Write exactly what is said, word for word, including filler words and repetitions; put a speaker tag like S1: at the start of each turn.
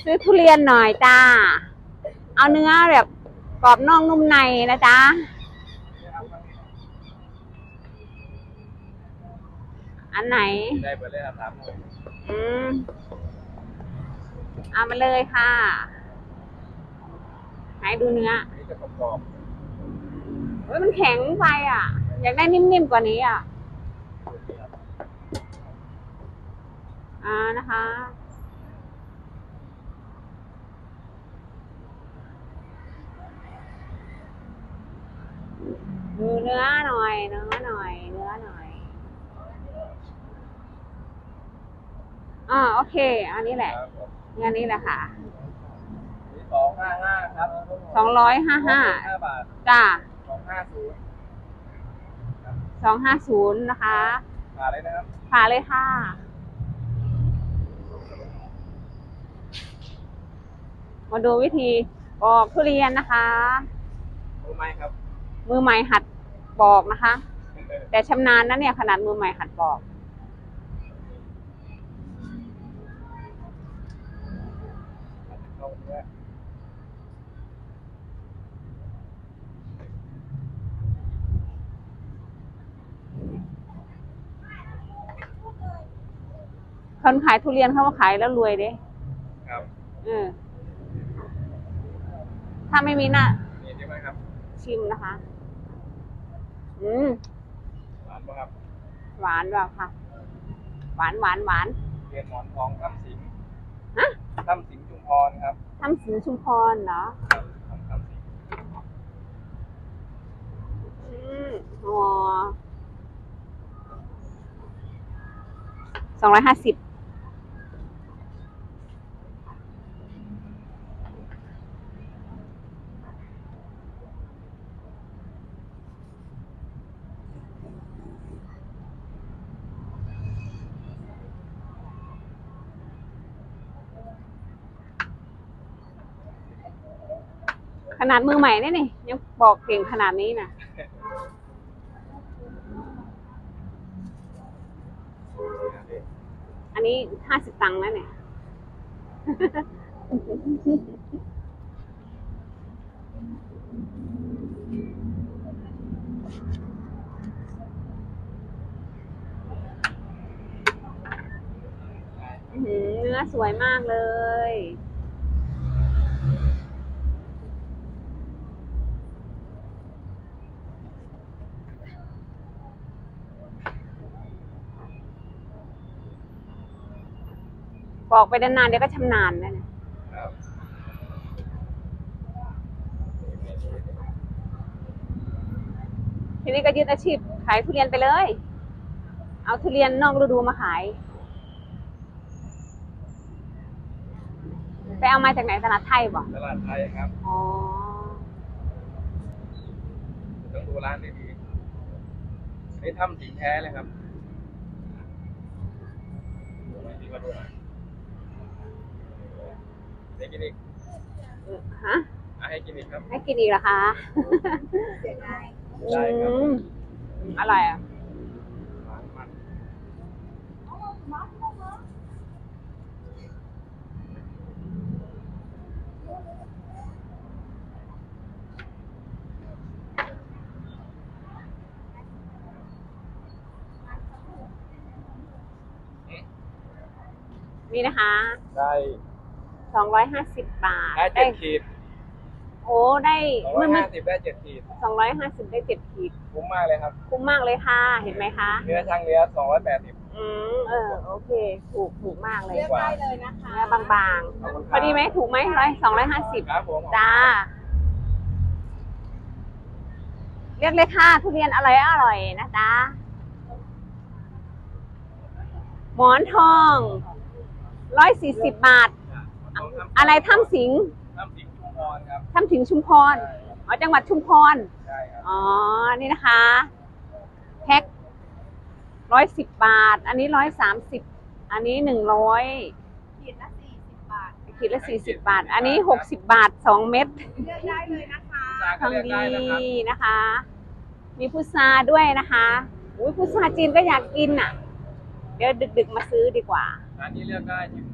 S1: ซื้อทุเรียนหน่อยจ้าเอาเนื้อแบบกรอบนอกนุ่มในนะจ๊ะอันไหน
S2: ได้เปิดเลยครับ
S1: อืมเอามาเลยค่ะให้ดูเนื้อ
S2: นี่จะกรอบ
S1: เฮ้ยมันแข็งไปอ่ะอยากได้นิ่มๆกว่านี้อ่ะอ่านะคะดูเนื้อหน่อยเนื้อหน่อยเนื้อหน่อยอ่าโอเคอันนี้แหละงานนี้แหละค่ะ
S2: สองห้าห้าครับ
S1: สองร้อยห้าห้า
S2: บาท
S1: จ้า
S2: สองห้าศูนย์
S1: สองห้าศูนย์นะคะ
S2: ผ่าเลยนะครับ
S1: ผ่าเลยค่ะมาดูวิธีปอกทุเรียนนะคะ
S2: มือไม้ครับ
S1: มือใหม่หัดปอกนะคะ แต่ชำนาญนะเนี่ยขนาดมือใหม่หัดปอกคนขายทุเรียนเขามาขายแล้วรวยเด้
S2: ครับ
S1: เออถ้าไม่มีหน้า
S2: นี่ใช่ไหมครับ
S1: ชิมนะคะ อืม
S2: หวานป่ะครับ
S1: หวานแบบค่ะหวานหวานหวาน
S2: เรียนหมอนทองถ้ำสิง
S1: ฮะ
S2: ถ้ำสิงชุมพรครับ
S1: ถ้ำสิงชุมพรเหรอ
S2: ครับถ้ำสิง
S1: อืมอ๋อสองร้อยห้าสิบขนาดมือใหม่เนี่ยนี่ยังบอกเก่งขนาดนี้นะอันนี้ห้าสิบตังค์นะเนี่ยเนื้อสวยมากเลยบอกไปนานๆเดี๋ยวก็ชำนาญนะเนี่ยทีนี้ก็ยึดอาชีพขายทุเรียนไปเลยเอาทุเรียนนอกฤดูมาขายไปเอามาจากไหนตลาดไทยบ่
S2: ตลาดไทยครับ
S1: อ๋อ
S2: ต้องดูร้านดีๆนี่ถ้ำสิงแท้เลยครับมาดูหน่อยให้กินอีก
S1: ฮะ
S2: ให้กินอีกครับ
S1: ให้กินอีกเหรอคะ
S2: ได้ครับ
S1: อะไรอ่ะนี่นะคะ
S2: ได้
S1: สองร้อยห้าสิบบาท
S2: ได้เจ็ดขีด
S1: โอ้ได้
S2: สองร้อยห้าสิบได้เจ็ดขีด
S1: สองร้อยห้าสิบได้เจ็ดขีด
S2: คุ้มมากเลยครับ
S1: คุ้มมากเลยค่ะเห็นไหมคะ
S2: เนื้อช่างเนื้อสองร้อยแปดสิบ
S1: อืมเออโอเคถูกถูกมากเลย
S2: เลือกได้เลยนะคะ
S1: เนื้อบางๆพอดีไหมถูกไหมร้อยสองร้อยห้าสิบจ้าเรียกเลยค่ะทุเรียนอร่อยอร่อยนะจ๊ะหมอนทองร้อยสี่สิบบาทอะไรถ้ำสิง
S2: ถ้ำสิงชุมพรครับ
S1: ถ้ำสิงชุมพรอ๋อจังหวัดชุมพร
S2: ใช่ครับ
S1: อ๋อนี่นะคะแพ็คร้อยสิบบาทอันนี้ร้อยสามสิบอันนี้หนึ่งร้อย
S3: ขีดละสี่สิบบาท
S1: ขีดละสี่สิบบาทอันนี้หกสิบบาทสองเม็ด
S3: เลือกได้เลยนะคะ
S1: ทางดีนะคะมีพุทราด้วยนะคะอุ้ยพุทราจีนก็อยากกินอ่ะเดี๋ยวดึกๆมาซื้อดีกว่า
S2: ร้านนี้เลือกได้จริง